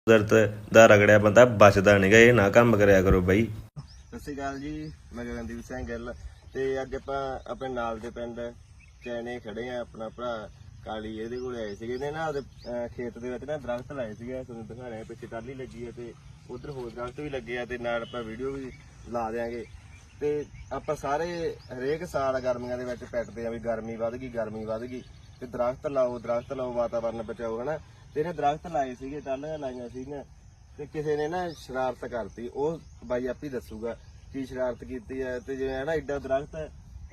ਕੁਦਰਤ ਦਾ ਰਗੜਿਆ ਬੰਦਾ ਬਚਦਾ ਨਹੀਂਗਾ। ਇਹ ਨਾ ਕੰਮ ਕਰਿਆ ਕਰੋ ਬਾਈ। ਸਤਿ ਸ਼੍ਰੀ ਅਕਾਲ ਜੀ, ਮੈਂ ਗਗਨਦੀਪ ਸਿੰਘ ਗਿੱਲ ਤੇ ਅੱਜ ਆਪਾਂ ਆਪਣੇ ਨਾਲ ਦੇ ਪਿੰਡ ਚੈਨੇ ਖੜੇ ਆ। ਆਪਣਾ ਭਰਾ ਕਾਲੀ ਇਹਦੇ ਕੋਲ ਆਏ ਸੀਗੇ। ਇਹਨੇ ਨਾ ਉਹਦੇ ਖੇਤ ਦੇ ਵਿੱਚ ਨਾ ਦਰਖਤ ਲਾਏ ਸੀਗੇ, ਤੁਹਾਨੂੰ ਦਿਖਾ ਰਹੇ ਪਿੱਛੇ ਟਾਹਲੀ ਲੱਗੀ ਹੈ ਤੇ ਉਧਰ ਹੋਰ ਦਰਖਤ ਵੀ ਲੱਗੇ ਆ ਤੇ ਨਾਲ ਆਪਾਂ ਵੀਡੀਓ ਵੀ ਲਾ ਦਿਆਂਗੇ। ਤੇ ਆਪਾਂ ਸਾਰੇ ਹਰੇਕ ਸਾਲ ਗਰਮੀਆਂ ਦੇ ਵਿੱਚ ਪਿੱਟਦੇ ਆ ਵੀ ਗਰਮੀ ਵੱਧ ਗਈ ਤੇ ਦਰਖਤ ਲਾਓ ਵਾਤਾਵਰਨ ਬਚਾਓ, ਹਨਾ। ਤੇ ਇਹਨੇ ਦਰਖਤ ਲਾਏ ਸੀਗੇ, ਟਾਹਲੀਆਂ ਲਾਈਆਂ ਸੀਗੀਆਂ ਤੇ ਕਿਸੇ ਨੇ ਨਾ ਸ਼ਰਾਰਤ ਕਰਤੀ। ਉਹ ਬਾਈ ਆਪੀ ਦੱਸੂਗਾ ਕੀ ਸ਼ਰਾਰਤ ਕੀਤੀ ਹੈ। ਤੇ ਜਿਵੇਂ ਨਾ ਏਡਾ ਦਰਖਤ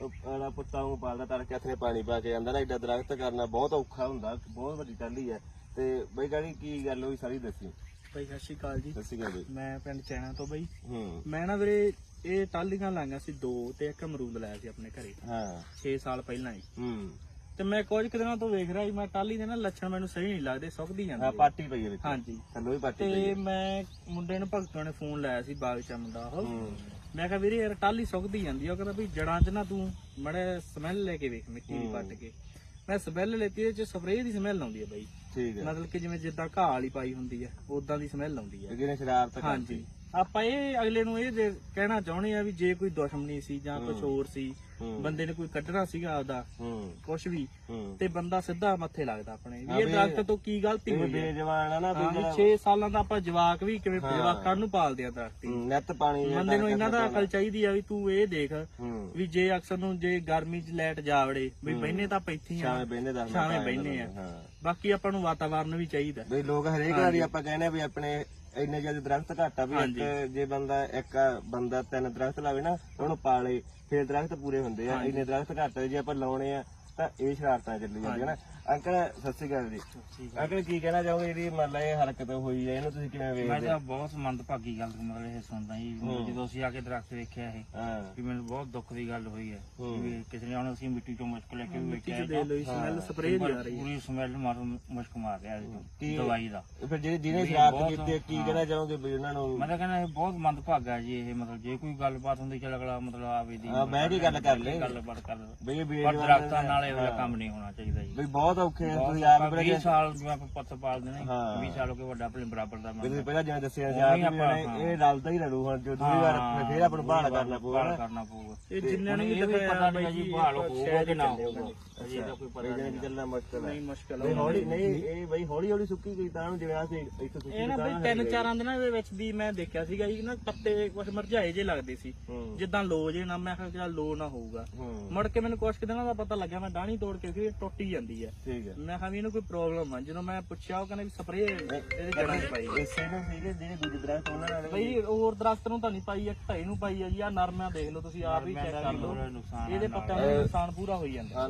ਪੁੱਤਾਂ ਨੂੰ ਪਾਲਦਾ, ਤੜਕੇ ਹੱਥ ਨੇ ਪਾਣੀ ਪਾ ਕੇ ਜਾਂਦਾ ਨਾ, ਏਡਾ ਦਰਖਤ ਕਰਨਾ ਬਹੁਤ ਔਖਾ ਹੁੰਦਾ, ਬਹੁਤ ਵੱਡੀ ਟਾਹਲੀ ਹੈ। ਤੇ ਬਈ ਗਾੜੀ ਕੀ ਗੱਲ ਹੋਈ ਸਾਰੀ ਦੱਸੀ। ਭਾਈ ਸਤਿ ਸ਼੍ਰੀ ਅਕਾਲ ਜੀ। ਸਤਿ ਸ਼੍ਰੀ ਅਕਾਲ ਬਈ। ਮੈਂ ਪਿੰਡ ਚੈਨਾ ਤੋਂ ਬਈ। ਮੈਂ ਨਾ ਵੀਰੇ ਇਹ ਟਾਹਲੀਆਂ ਲਾਈਆਂ ਸੀ 2 ਤੇ ਇੱਕ ਅਮਰੂਦ ਲਾਇਆ ਸੀ ਆਪਣੇ ਘਰੇ। 6 ਸਾਲ ਪਹਿਲਾਂ ਹੀ। ਤੇ ਮੈਂ ਕੁਝ ਦਿਨਾਂ ਤੋਂ ਵੇਖ ਰਿਹਾ ਸੀ, ਮੈਂ ਟਾਹਲੀ ਦੇ ਨਾ ਲੱਛਣ ਮੈਨੂੰ ਸਹੀ ਨਹੀਂ ਲੱਗਦੇ, ਸੁੱਕਦੀ ਜਾਂਦੀ। ਪਾਰਟੀ ਪਈ ਹੈ ਵਿੱਚ। ਹਾਂਜੀ, ਥੱਲੋਂ ਵੀ ਪਾਰਟੀ ਪਈ ਤੇ ਹੈ। ਮੈਂ ਮੁੰਡੇ ਨੂੰ ਭਗਤੋਂ ਨੇ ਫੋਨ ਲਾਇਆ ਸੀ, ਬਾਗ ਚ ਮੁੰਡਾ ਉਹ। ਮੈਂ ਕਿਹਾ ਵੀਰੇ ਯਾਰ ਟਾਹਲੀ ਸੁੱਕਦੀ ਜਾਂਦੀ ਆ। ਉਹ ਕਹਿੰਦਾ ਵੀ ਜੜਾਂ ਚ ਨਾ ਤੂੰ ਮੜੇ ਸਮੈਲ ਲੈ ਕੇ ਵੇਖ, ਮਿੱਟੀ ਦੀ ਪੱਟ ਕੇ। ਮੈਂ ਸਮੈਲ ਲੈਤੀ, ਇਹਦੇ ਚ ਸਪਰੇਅ ਦੀ ਸਮੈਲ ਆਉਂਦੀ ਹੈ ਬਾਈ। ਠੀਕ ਹੈ, ਮਤਲਬ ਕਿ ਜਿਵੇਂ ਜਿੱਦਾਂ ਘਾਹ ਵਾਲੀ ਪਾਈ ਹੁੰਦੀ ਹੈ ਉਦਾਂ ਦੀ ਸਮੈਲ ਆਉਂਦੀ ਹੈ। ਜਿਹਨੇ ਸ਼ਰਾਰਤ ਹਾਂਜੀ, ਆਪਾਂ ਇਹ ਅਗਲੇ ਨੂੰ ਇਹ ਕਹਿਣਾ ਚਾਹੁੰਦੇ ਆ ਵੀ ਜੇ ਕੋਈ ਦੁਸ਼ਮਣੀ ਸੀ ਜਾਂ ਕੁਝ ਹੋਰ ਸੀ, ਬੰਦੇ ਨੇ ਕੋਈ ਕੱਢਣਾ ਸੀਗਾ ਆਪਦਾ ਕੁਝ ਵੀ, ਤੇ ਬੰਦਾ ਸਿੱਧਾ ਮੱਥੇ ਲੱਗਦਾ ਆਪਣੇ ਵੀ। ਇਹ ਦਰਖਤ ਤੋਂ ਕੀ ਗਲਤੀ ਹੋਈ ਹੈ। ਬੇਜਵਾਨ ਆ ਨਾ, 6 ਸਾਲਾਂ ਦਾ ਆਪਾਂ ਜਵਾਕ ਵੀ ਕਿਵੇਂ ਜਵਾਕਾਂ ਨੂੰ ਪਾਲਦੇ ਆ ਦਰਖਤੀ। ਨਿੱਤ ਪਾਣੀ ਬੰਦੇ ਨੂੰ ਇਹਨਾਂ ਦਾ ਅਕਲ ਚਾਹੀਦੀ ਆ ਵੀ ਤੂੰ ਇਹ ਦੇਖ ਵੀ ਜੇ ਅਕਸਰ ਨੂੰ ਜੇ ਗਰਮੀ ਚ ਲਾਈਟ ਜਾਵੜੇ ਵੀ ਬਹਿਨੇ ਤਾਂ ਆਪਾਂ ਇੱਥੇ ਆ, ਛਾਵੇਂ ਬਹਿਨੇ ਆ। ਬਾਕੀ ਆਪਾਂ ਨੂੰ ਵਾਤਾਵਰਨ ਵੀ ਚਾਹੀਦਾ ਬਈ। ਲੋਕ ਹਰੇਕ ਵਾਰੀ ਆਪਾਂ ਕਹਿੰਦੇ ਵੀ ਆਪਣੇ ਇੰਨੇ ਜਿਆਦਾ ਦਰਖਤ ਘੱਟ ਆ ਵੀ ਜੇ ਇੱਕ ਬੰਦਾ 3 ਦਰਖਤ ਲਾਵੇ ਨਾ, ਉਹਨੂੰ ਪਾਲੇ, ਫਿਰ ਦਰਖਤ ਪੂਰੇ ਹੁੰਦੇ ਆ। ਇੰਨੇ ਦਰਖਤ ਘੱਟ ਜੇ ਆਪਾਂ ਲਾਉਣੇ ਆ ਤਾਂ ਇਹ ਸ਼ਰਾਰਤਾਂ ਚੱਲੀ ਜਾਂਦੀਆਂ ਨਾ। ਅੰਕਲ ਸਤਿ ਸ਼੍ਰੀ ਅਕਾਲ ਜੀ। ਅੰਕਲ ਕੀ ਕਹਿਣਾ ਚਾਹੋਗੇ ਜਿਹੜੀ ਮਤਲਬ ਇਹ ਹਰਕਤ ਹੋਈ ਹੈ, ਇਹਨੂੰ ਤੁਸੀਂ ਕਿਵੇਂ ਵੇਖਦੇ? ਮੈਂ ਤਾਂ ਬਹੁਤ ਮੰਦਭਾਗੀ ਗੱਲ ਮਤਲਬ ਇਹ ਸੁਣਦਾ ਜੀ। ਜਦੋਂ ਅਸੀਂ ਆ ਕੇ ਦਰਖਤ ਵੇਖਿਆ ਇਹ, ਵੀ ਮੈਨੂੰ ਬਹੁਤ ਦੁੱਖ ਦੀ ਗੱਲ ਹੋਈ ਹੈ ਵੀ ਕਿਸੇ ਨੇ ਹੁਣ ਅਸੀਂ ਮਿੱਟੀ ਚੋਂ ਮੁਸ਼ਕ ਲੈ ਕੇ ਵੇਖਿਆ, ਸਮੈਲ ਸਪਰੇਅ ਦੀ ਆ ਰਹੀ ਹੈ, ਪੂਰੀ ਸਮੈਲ ਮੁਸ਼ਕ ਮਾਰ ਰਿਹਾ ਦਵਾਈ ਦਾ। ਫਿਰ ਜਿਹਨੇ ਸ਼ਰਾਰਤ ਕੀਤੀ ਕੀ ਕਹਿਣਾ ਚਾਹੋਗੇ ਵੀ ਉਹਨਾਂ ਨੂੰ? ਮੈਂ ਤਾਂ ਕਹਿੰਦਾ ਇਹ ਬਹੁਤ ਮੰਦਭਾਗਾ ਜੀ ਇਹ। ਮਤਲਬ ਜੇ ਕੋਈ ਗੱਲਬਾਤ ਹੁੰਦੀ ਚੱਲ ਅਗਲਾ ਮਤਲਬ ਆਵੇ ਦੀ ਮੈਂ ਵੀ ਗੱਲ ਕਰ ਲੈ, ਗੱਲਬਾਤ ਕਰ ਬਈ ਪਰ ਦਰਖਤਾਂ ਨਾਲ ਇਹੋ ਜਿਹਾ ਕੰਮ ਨਹੀਂ ਹੋਣਾ ਚਾਹੀਦਾ ਜੀ। ਬਈ ਬਹੁਤ ਔਖੇ ਤੁਸੀਂ ਆਪ 20 ਸਾਲ ਜਿਵੇਂ ਆਪਾਂ ਪੁੱਤ ਪਾਲਦੇ ਨੇ, 20 ਸਾਲ ਹੋ ਕੇ ਵੱਡਾ ਆਪਣੇ ਬਰਾਬਰ ਦਾ ਤੁਸੀਂ ਪਹਿਲਾਂ ਜਿਵੇਂ ਦੱਸਿਆ ਸੀ ਆਪ ਇਹ ਰਲਦਾ ਹੀ ਰਲੂ। ਹੁਣ ਜੋ ਦੂਜੀ ਵਾਰ ਫੇਰ ਆਪਾਂ ਨੂੰ ਬਹਾਲ ਕਰਨਾ ਪਊਗਾ। ਇਹ ਜਿੰਨਾਂ ਨੂੰ ਵੀ ਪਤਾ ਨਹੀਂ ਜੀ ਬਹਾਲ ਹੋਊਗਾ ਕਿ ਨਾ ਹੋਊਗਾ, ਅਜੇ ਤਾਂ ਕੋਈ ਪਤਾ ਨਹੀਂ ਚੱਲਣਾ ਮੁਸ਼ਕਲ ਹੈ। ਨਹੀਂ ਮੁਸ਼ਕਲ ਬਈ ਹੌਲੀ ਨਹੀਂ, ਇਹ ਬਈ ਹੌਲੀ ਹੌਲੀ ਸੁੱਕੀ ਗਈ ਤਾਂ ਜਿਵੇਂ ਆ ਸੀ ਇੱਥੇ ਸੁੱਕੀ। ਇਹ ਨਾ ਬਈ 3-4 ਦਿਨਾਂ ਦੇ ਵਿੱਚ ਦੀ ਮੈਂ ਦੇਖਿਆ ਸੀਗਾ ਜੀ ਨਾ, ਪੱਤੇ ਕੁਝ ਮਰਝਾਏ ਜੇ ਲੱਗਦੇ ਸੀ, ਜਿੱਦਾਂ ਲੋ ਜੇ ਨਾ। ਮੈਂ ਕਿਹਾ ਲੋ ਨਾ ਹੋਊਗਾ। ਮੁੜ ਕੇ ਮੈਨੂੰ ਕੁਝ ਦਿਨਾਂ ਦਾ ਪਤਾ ਲੱਗਿਆ, ਮੈਂ ਡਾਹਣੀ ਤੋੜ ਕੇ ਫਿਰ ਟੁੱਟੀ ਜਾਂਦੀ ਹੈ। ਠੀਕ ਹੈ, ਮੈਂ ਕਿਹਾ ਵੀ ਇਹਨੂੰ ਕੋਈ ਪ੍ਰੋਬਲਮ ਆ। ਜਦੋਂ ਮੈਂ ਪੁੱਛਿਆ ਉਹ ਕਹਿੰਦੇ ਵੀ ਸਪਰੇਅ ਇਹਦੇ ਜੜਾਂ 'ਚ ਪਾਈ। ਇਸੇ ਨੂੰ ਸੀਗੇ ਜਿਹੜੇ ਦੂਜੇ ਦਰਖਤ ਉਹਨਾਂ ਨਾਲ ਬਈ ਹੋਰ ਦਰਖਤ ਨੂੰ ਤਾਂ ਨਹੀਂ ਪਾਈ, ਇੱਕ ਢਾਈ ਨੂੰ ਪਾਈ ਆ ਜੀ। ਆ ਨਰਮਿਆਂ ਦੇਖ ਲਓ ਤੁਸੀਂ, ਆਪ ਹੀ ਚੈੱਕ ਕਰ ਲਓ, ਇਹਦੇ ਪੱਤਿਆਂ ਦਾ ਨੁਕਸਾਨ ਪੂਰਾ ਹੋਈ ਜਾਂਦਾ।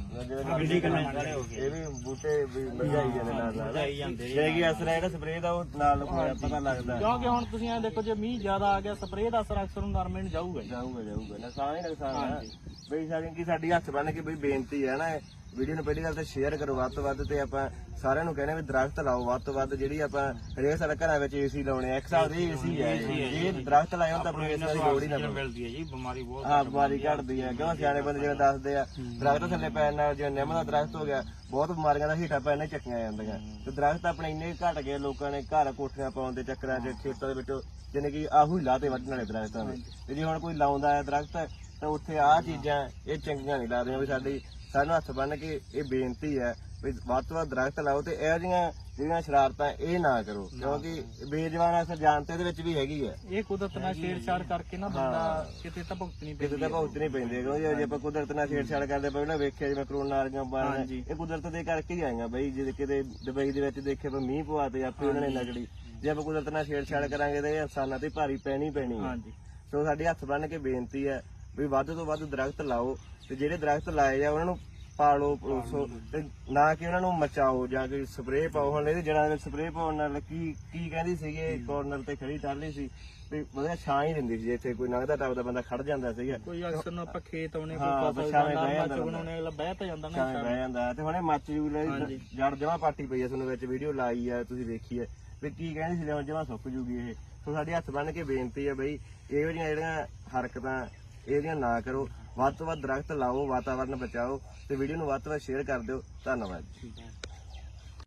ਇਹ ਵੀ ਬੂਟੇ ਵੀ ਮਰਝਾਈ ਜਾਂਦੇ ਨਾਲ ਜੇ ਕੀ ਅਸਰ ਹੈ ਜਿਹੜਾ ਸਪਰੇਅ ਦਾ ਉਹ ਨਾਲ ਪਤਾ ਲੱਗਦਾ। ਕਿਉਂਕਿ ਹੁਣ ਤੁਸੀਂ ਐ ਦੇਖੋ, ਜੇ ਮੀਂਹ ਜ਼ਿਆਦਾ ਆ ਗਿਆ ਸਪਰੇਅ ਦਾ ਅਸਰ ਅਕਸਰ ਨੂੰ ਨਰਮੇ ਨੂੰ ਜਾਊਗਾ ਨੁਕਸਾਨ ਹੀ ਨੁਕਸਾਨ ਹੈ ਬਈ। ਸਾਡੀ ਹੱਥ ਬੰਨ ਕੇ ਬਈ ਬੇਨਤੀ ਹੈ ਨਾ, ਵੀਡੀਓ ਨੂੰ ਪਹਿਲੀ ਗੱਲ ਤਾਂ ਸ਼ੇਅਰ ਕਰੋ ਵੱਧ ਤੋਂ ਵੱਧ, ਤੇ ਆਪਾਂ ਸਾਰਿਆਂ ਨੂੰ ਕਹਿੰਦੇ ਵੀ ਦਰਖਤ ਲਾਓ ਵੱਧ ਤੋਂ ਵੱਧ। ਜਿਹੜੀ ਆਪਾਂ ਹਰੇਕ ਸਾਲ ਘਰਾਂ ਵਿੱਚ ਏਸੀ ਲਾਉਣੇ ਆ, ਇੱਕ ਹਿਸਾਬ ਦੇ ਏਸੀ ਹੈ, ਇਹ ਦਰਖਤ ਲਾਏ ਹੋਣ ਤਾਂ ਆਪਣੀ ਏਸੀ ਦੀ ਲੋੜ ਹੀ ਨਾ ਮਿਲਦੀ ਹੈ ਜੀ। ਬਿਮਾਰੀ ਬਹੁਤ ਬਿਮਾਰੀ ਘਟਦੀ ਹੈ, ਕਿਉਂ ਸਿਆਣੇ ਬੰਦੇ ਜਿਵੇਂ ਦੱਸਦੇ ਆ ਦਰਖਤ ਥੱਲੇ ਪੈਣ ਨਾਲ, ਜਿਵੇਂ ਨਿੰਮ ਦਾ ਦਰਖਤ ਹੋ ਗਿਆ, ਬਹੁਤ ਬਿਮਾਰੀਆਂ ਦਾ ਹੀਟਾ ਪੈਣ ਨਾਲ ਚੱਕੀਆਂ ਜਾਂਦੀਆਂ। ਤੇ ਦਰਖਤ ਆਪਣੇ ਇੰਨੇ ਘਟ ਗਏ, ਲੋਕਾਂ ਨੇ ਘਰ ਕੋਠੀਆਂ ਪਾਉਣ ਦੇ ਚੱਕਰਾਂ 'ਚ ਖੇਤਾਂ ਦੇ ਵਿੱਚੋਂ ਜਿਵੇਂ ਕਿ ਆਹੂ ਹੀ ਲਾਤੇ ਵੱਢਣ ਵਾਲੇ ਦਰਖਤਾਂ ਦੇ। ਤੇ ਜੇ ਹੁਣ ਕੋਈ ਲਾਉਂਦਾ ਹੈ ਦਰਖਤ ਤਾਂ ਉੱਥੇ ਆਹ ਚੀਜ਼ਾਂ ਇਹ ਚੰਗੀਆਂ ਨਹੀਂ ਲੱਗਦੀਆਂ। ਵੀ ਸਾਨੂੰ ਹੱਥ ਬੰਨ ਕੇ ਇਹ ਬੇਨਤੀ ਹੈ ਵੀ ਵੱਧ ਤੋਂ ਵੱਧ ਦਰਖਤ ਲਾਓ ਤੇ ਇਹੋ ਜਿਹੀਆਂ ਜਿਹੜੀਆਂ ਸ਼ਰਾਰਤਾਂ ਇਹ ਨਾ ਕਰੋ, ਕਿਉਂਕਿ ਬੇਜਵਾਨ ਅਸਰ ਜਾਣਤੇ ਦੇ ਵਿੱਚ ਵੀ ਹੈਗੀ ਹੈ। ਇਹ ਕੁਦਰਤ ਨਾਲ ਛੇੜਛਾੜ ਕਰਕੇ ਨਾ ਬੰਦਾ ਕਿਤੇ ਤਾਂ ਭੁਗਤਣੀ ਪੈਂਦੀ, ਕਿਤੇ ਤਾਂ ਭੁਗਤਣੀ ਪੈਂਦੀ ਹੈ। ਕਿਉਂਕਿ ਜੇ ਆਪਾਂ ਕੁਦਰਤ ਨਾਲ ਛੇੜਛਾੜ ਕਰਦੇ ਪਹਿਲਾਂ ਵੇਖਿਆ ਜਿਵੇਂ ਕਰੋਨਾ ਵਾਲੀਆਂ ਬਿਮਾਰੀਆਂ, ਇਹ ਕੁਦਰਤ ਦੇ ਕਰਕੇ ਹੀ ਆਈਆਂ ਬਈ। ਜੇ ਕਿਤੇ ਦੁਬਈ ਦੇ ਵਿੱਚ ਦੇਖੇ ਆਪਾਂ ਮੀਂਹ ਪਵਾ ਤੇ ਆਪੇ ਉਹਨਾਂ ਨੇ ਨਗੜੀ। ਜੇ ਆਪਾਂ ਕੁਦਰਤ ਨਾਲ ਛੇੜਛਾੜ ਕਰਾਂਗੇ ਤਾਂ ਇਹ ਇਨਸਾਨਾਂ ਤੇ ਭਾਰੀ ਪੈਣੀ ਹੈ। ਸੋ ਸਾਡੀ ਹੱਥ ਬੰਨ ਕੇ ਬੇਨਤੀ ਹੈ ਵੀ ਵੱਧ ਤੋਂ ਵੱਧ ਦਰਖਤ ਲਾਓ, ਤੇ ਜਿਹੜੇ ਦਰਖਤ ਲਾਏ ਆ ਉਹਨਾਂ ਨੂੰ ਪਾਲੋ ਪਲੋਸੋ, ਤੇ ਨਾ ਕਿ ਉਹਨਾਂ ਨੂੰ ਮਚਾਓ ਜਾਂ ਕੋਈ ਸਪਰੇਅ ਪਾਓ। ਹੁਣ ਇਹਦੇ ਜੜਾਂ ਵਿੱਚ ਸਪਰੇਅ ਪਾਉਣ ਨਾਲ ਕੀ ਕਹਿੰਦੀ ਸੀਗੇ, ਕਾਰਨਰ ਤੇ ਖੜੀ ਟਾਹਲੀ ਸੀ ਤੇ ਵਧੀਆ ਛਾਂ ਹੀ ਦਿੰਦੀ ਸੀ, ਇੱਥੇ ਕੋਈ ਲੰਘਦਾ ਟੱਪਦਾ ਬੰਦਾ ਖੜ ਜਾਂਦਾ ਸੀਗਾ। ਕੋਈ ਅਕਸਰ ਨੂੰ ਆਪਾਂ ਖੇਤ ਆਉਣੇ, ਕੋਈ ਛਾਵੇਂ ਬਹਿ ਜਾਂਦਾ, ਬਹਿ ਤਾਂ ਜਾਂਦਾ ਨਾ, ਛਾਵੇਂ ਬਹਿ ਜਾਂਦਾ। ਤੇ ਹੁਣੇ ਮੱਚ ਜੂ ਜੜ ਜਮਾ ਪਾਟੀ ਪਈ ਆ, ਤੁਹਾਨੂੰ ਵਿੱਚ ਵੀਡੀਓ ਲਾਈ ਆ, ਤੁਸੀਂ ਵੇਖੀ ਹੈ ਵੀ ਕੀ ਕਹਿੰਦੀ ਸੀ, ਹੁਣ ਜਮਾ ਸੁੱਕ ਜੂਗੀ ਇਹ। ਸੋ ਸਾਡੀ ਹੱਥ ਬੰਨ ਕੇ ਬੇਨਤੀ ਹੈ ਬਈ, ਇਹੋ ਜਿਹੀਆਂ ਜਿਹੜੀਆਂ ਹਰਕਤਾਂ ਇਹਦੀਆਂ ਨਾ ਕਰੋ। ਵੱਧ ਤੋਂ ਵੱਧ ਦਰਖਤ ਲਾਓ, ਵਾਤਾਵਰਨ ਬਚਾਓ, ਤੇ ਵੀਡੀਓ ਨੂੰ ਵੱਧ ਤੋਂ ਵੱਧ ਸ਼ੇਅਰ ਕਰ ਦਿਓ। ਧੰਨਵਾਦ।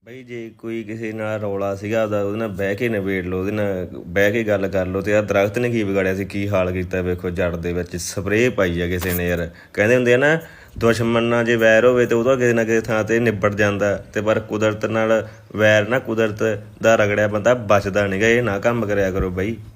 ਬਈ ਜੇ ਕੋਈ ਕਿਸੇ ਨਾਲ ਰੌਲਾ ਸੀਗਾ ਉਹਦੇ ਨਾਲ ਬਹਿ ਕੇ ਨਿਬੇੜ ਲਓ, ਉਹਦੇ ਨਾਲ ਬਹਿ ਕੇ ਗੱਲ ਕਰ ਲਓ। ਤੇ ਆਹ ਦਰਖਤ ਨੇ ਕੀ ਵਿਗਾੜਿਆ ਸੀ, ਕੀ ਹਾਲ ਕੀਤਾ ਵੇਖੋ, ਜੜ ਦੇ ਵਿੱਚ ਸਪਰੇਅ ਪਾਈ ਆ ਕਿਸੇ ਨੇ ਯਾਰ। ਕਹਿੰਦੇ ਹੁੰਦੇ ਆ ਨਾ ਦੁਸ਼ਮਣ ਨਾਲ ਜੇ ਵੈਰ ਹੋਵੇ ਤੇ ਉਹਦਾ ਕਿਸੇ ਨਾ ਕਿਸੇ ਥਾਂ ਤੇ ਨਿਬੜ ਜਾਂਦਾ, ਤੇ ਪਰ ਕੁਦਰਤ ਨਾਲ ਵੈਰ ਨਾ, ਕੁਦਰਤ ਦਾ ਰਗੜਿਆ ਬੰਦਾ ਬਚਦਾ ਨਹੀਂਗਾ। ਇਹ ਨਾ ਕੰਮ ਕਰਿਆ ਕਰੋ ਬਈ।